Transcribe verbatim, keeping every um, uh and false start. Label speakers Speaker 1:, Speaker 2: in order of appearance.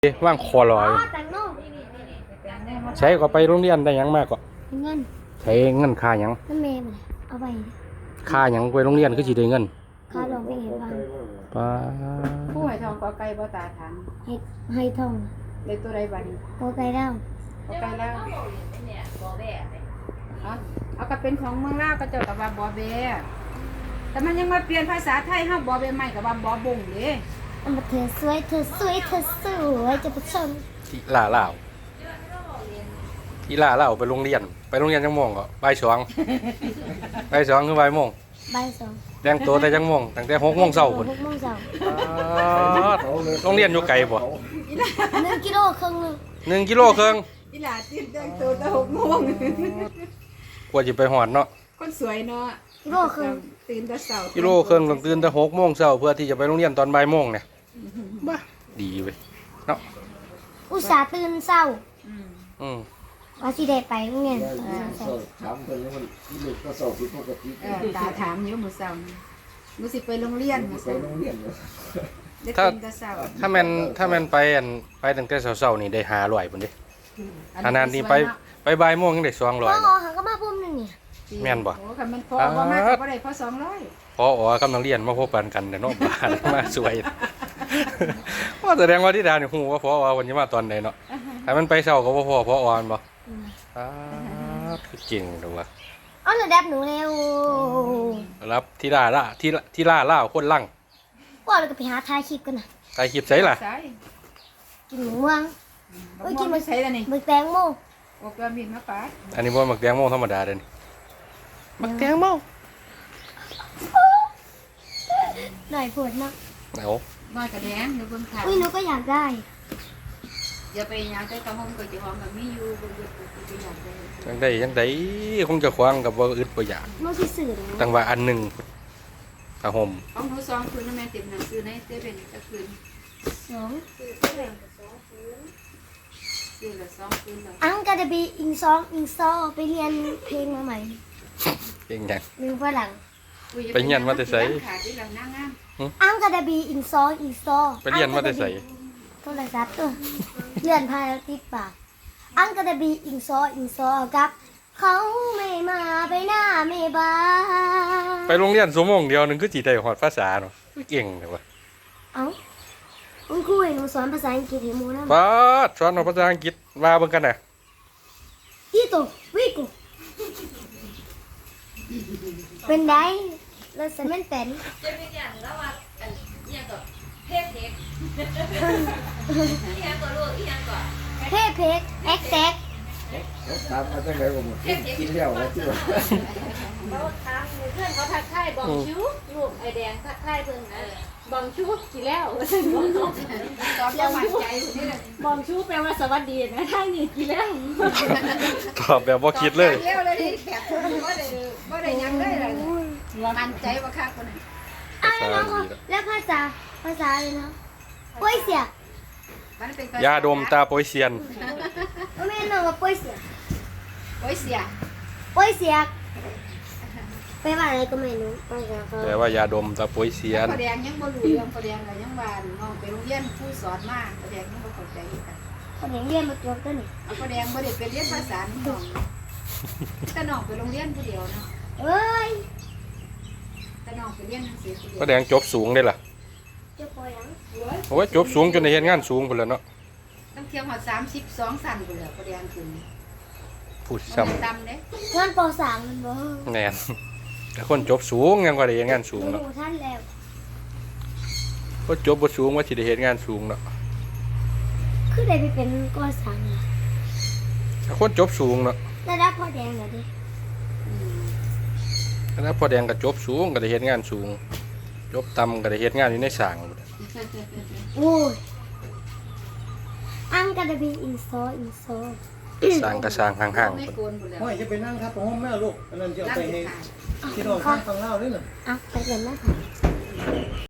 Speaker 1: ว่างคอลอยใช้ก็ไปโรงเรียนได้ยังมากก็
Speaker 2: เงิน
Speaker 1: ใช้เงินค่ายัง
Speaker 2: นั่นเมย์มันเอาไป
Speaker 1: ค่ายังไปโรงเรียนคือสิได้เงิน
Speaker 2: ค่าลองไปเห็นฟัง
Speaker 1: ป้า
Speaker 3: ผู้ให้ทองก็ไก่บ่ตาถาม
Speaker 2: ให้ให้ทอง
Speaker 3: เลยตัวใดบัดนี้
Speaker 2: ก็ไก่ดาว
Speaker 3: ก็ไก่ลาวเอาเอาก็เป็นของเมืองลาวก็เจ้าก็ว่าบ่แบแต่มันยังมาเปลี่ยนภาษาไทยเฮาบ่แบใหม่ก็ว่าบ่บงเด้
Speaker 2: อันเธอสวยเธอสวยเธอสวยจะผู้ชม
Speaker 1: ที่ลาเล่าที่ลาเล่าไปโรงเรียนไปโรงเรียนจังโมงก็บ่ายสองบ่ายสองคือบ่ายโมง
Speaker 2: บ่ายสอง
Speaker 1: แต่งตัวแต่จังโมงตั้งแต่หกโมงเช้าพุ่น
Speaker 2: หกโมงเช้า
Speaker 1: โรงเรียนอยู่ไกลบ่
Speaker 2: หนึ่งกิโลครึ่ง
Speaker 1: หนึ่งกิโลครึ่ง
Speaker 3: อีหลาตื่นแต่งตัวแต่หกโมง
Speaker 1: กว่าสิไปฮอดเนาะ
Speaker 3: คนสวยเนาะ
Speaker 2: กิโลครึ่ง
Speaker 3: ตื่นแต่เช้า
Speaker 1: กิโลครึ่งต้องตื่นแต่หกโมงเช้าเพื่อที่จะไปโรงเรียนตอนบ่ายโมงเนี่ยบ้าดีเว้ยเนาะ
Speaker 2: อุตส่าห์ตื่นเช้า
Speaker 3: อืม
Speaker 1: อืม
Speaker 2: ว่าสิได้ไปโรงเรียน
Speaker 4: ถามคนนี้มันลูกก็สอบผิดปกติ
Speaker 3: เออตาถามอยู่มื้อเช้ามื้อสิไปโรงเรียนมื้อ
Speaker 4: ไป
Speaker 3: เช้า
Speaker 4: โรงเรียน
Speaker 3: ได้ตื่นแต่เช้า
Speaker 1: ถ้าแม่นถ้าแม่นไปอันไปตั้งแต่เช้าๆนี่ได้ห้าร้อยพุ่นเด้อันนั้นนี่ไปไปบ่ายโมงยังได้สองร้อย
Speaker 2: พ่อหาก็มาพุ่มนึงนี่
Speaker 1: แม่นบ่
Speaker 3: โอ้คันมันพอบ่มากก็บ่ได้พอสองร้อย
Speaker 1: พออ๋อกำลังเรียนมาพบกันกันแต่เนาะบ้านมาสวยว่าแสดงว่าที่ดานี่ฮู้ว่าพออ๋วันนี้มาตอนใดเนาะถ้ามันไปเช้าก็บ่พอพออ๋อนบ่อ้าคือเก่งดูว่า
Speaker 2: เอาระดับหนูแล้ว
Speaker 1: รับที่ล่าล่าที่ที่ล่าล่าคนลั่ง
Speaker 2: ว่าเราก็ไปหาถ่ายคลิปกันน่ะ
Speaker 1: ถ่ายคลิปไสล่ะ
Speaker 2: กินหมูม่วง
Speaker 3: เอ้ยกินมื้อไสล่ะนี่
Speaker 2: มื้อแตงโม
Speaker 3: โอ้ก็มีมาปาด
Speaker 1: อันนี้บ่มักแตงโมธรรมดาเด้นี่มักแตงโม
Speaker 2: หน่อยปวดมาก
Speaker 1: เอา
Speaker 3: น้อยกระแดงอยู่เบิ่งข่าว
Speaker 2: อุ้ยหนูก็อยากได้
Speaker 3: อย่าไปหยังแต่ตะหอมก็สิหอมแบบมีอยู่บ่อยู่ก็อยากได้
Speaker 1: จังได๋จังได๋คงจะขวางกับบ่อึดบ่อยาก
Speaker 2: หนูสิซื้อเลย
Speaker 1: ตั้งว่าอันนึงผ้าห่ม
Speaker 3: เอาหนูสองคืนแม่เต็มหนังสือในเซเว่นจะคืน
Speaker 2: สอง
Speaker 3: ซื้อละสองคืนแล้ว
Speaker 2: อังกาเดบีอิงซองอิงซอไปเรียนเพลงมาใหม่
Speaker 1: เก่งจัง
Speaker 2: ลืมฝรั่ง
Speaker 1: ไปเรียนมาแต่ไส
Speaker 2: อังกาเดบีอิงซองอิงซอ
Speaker 1: ไปเรียนมาแต่ไส
Speaker 2: โทรศัพท์ตัวเลื่อนพายแล้วติดปากอังกาเดบีอิงซออิงซอกับเขาไม่มาไปหน้าไม่บา
Speaker 1: ไปโรงเรียนชั่วโมงเดียวนึงคือสิได้ฮอดภาษาเนาะเก่งเด้อว่ะ
Speaker 2: เอ้าคุณครูให้หนูสอนภาษาอังกฤษให้หมู่นำ
Speaker 1: ป๊าดสอนภาษาอังกฤษว่าเบิ่งกันน่ะ
Speaker 2: อีโตวิโกเป็นไดแล้วฉันแม่นเป็น
Speaker 5: จะเป็นอย่างแล้วว่าอันอีหยังก็เพกเพกอีหยังก็ลูกอีหยังก็
Speaker 2: เพกเพกแอ็กแซก
Speaker 4: ถามมาตั้งแต่ผมกินแล้วว่าที่ว่า
Speaker 5: เขาถามเพื่อนเขาทักทายบองชูลูกไอแดงทักทายเพิ่นนะบองชูกินแล้วตอบแบบมั่นใจนี่แหละบองชูแปลว่าสวัสดีนะท่านนี่กินแล้ว
Speaker 1: ตอบแบบบ่คิดเลย
Speaker 3: แล้วเลยแบบบ่ได้บ่ได้ยังเลยล่ะมั่นใจว่าคักคนนั้น
Speaker 2: อ้าวแล้วแล้วภาษาภาษาอะไรนะป่วยเสีย
Speaker 1: ยาดมตาโปยเซียน
Speaker 2: บ่แม่นน้องว่าป่วยเสีย
Speaker 3: ป่วยเสีย
Speaker 2: ป่วยเสียแปลว่าอะไรก็ไม่รู้ภาษาเขา
Speaker 1: แปลว่ายาดมตาโปยเซียน
Speaker 3: พ่อแดงยังบ่รู้เรื่องพ่อแดงก็ยังว่าน้องไปโรงเรียนผู้สอนมาพ่อแดงยังบ่เข้าใจกัน
Speaker 2: พ่อแดงเรียนมาจบตัวนี่
Speaker 3: พ่อแดงบ่ได้ไปเรียนภาษาน้องแต่น้องไปโรงเรียนผู้เดียวเนาะ
Speaker 2: เอ้ย
Speaker 3: แต่น้องไปเรียนหนังสือผู้เดียว
Speaker 1: พ่อแดงจบสูงได้ล่ะ
Speaker 2: จบปอยัง
Speaker 1: โอ้ยจบสูงจนได้เฮ็ดงานสูงพุ่นแล้วเนาะ
Speaker 3: ต้องเที่ยวฮอดสามสิบสองสั่นพุ่นแล้วพ่อแดงขึ้น
Speaker 1: พูดซ้ำ
Speaker 3: ตำเด้
Speaker 2: งานปสามมันบ่
Speaker 1: แม่นแต่คนจบสูงยังว่าได้เฮ็ดงานสูงเนาะ
Speaker 2: ท่านแล้ว
Speaker 1: ก็จบบ่สูงว่าสิได้เฮ็ดงานสูงเนาะ
Speaker 2: คือได้ไปเป็นกอสัง
Speaker 1: แต่คนจบสูงเนาะ
Speaker 2: ระดับพ่อแดงน่ะดิ
Speaker 1: แล้วพ่อแดงก็จบสูงก็ได้เฮ็ดงานสูงจบต่ำก็ได้เฮ็ดงานอยู่ในสร้าง
Speaker 2: โอ้ยอังกาเดบีอินโซอินโซ
Speaker 1: สร้างก็สร้างห่างๆ
Speaker 3: ไม่โกนพุ่นแล้ว
Speaker 4: โอ้ยจะไปนั่งครับผมแม่ลูกอันนั้นจะเอาไปให้ที่น้องข้างฟังเล่าด้วยน่ะ
Speaker 2: อ่ะไปเรียนนะคะ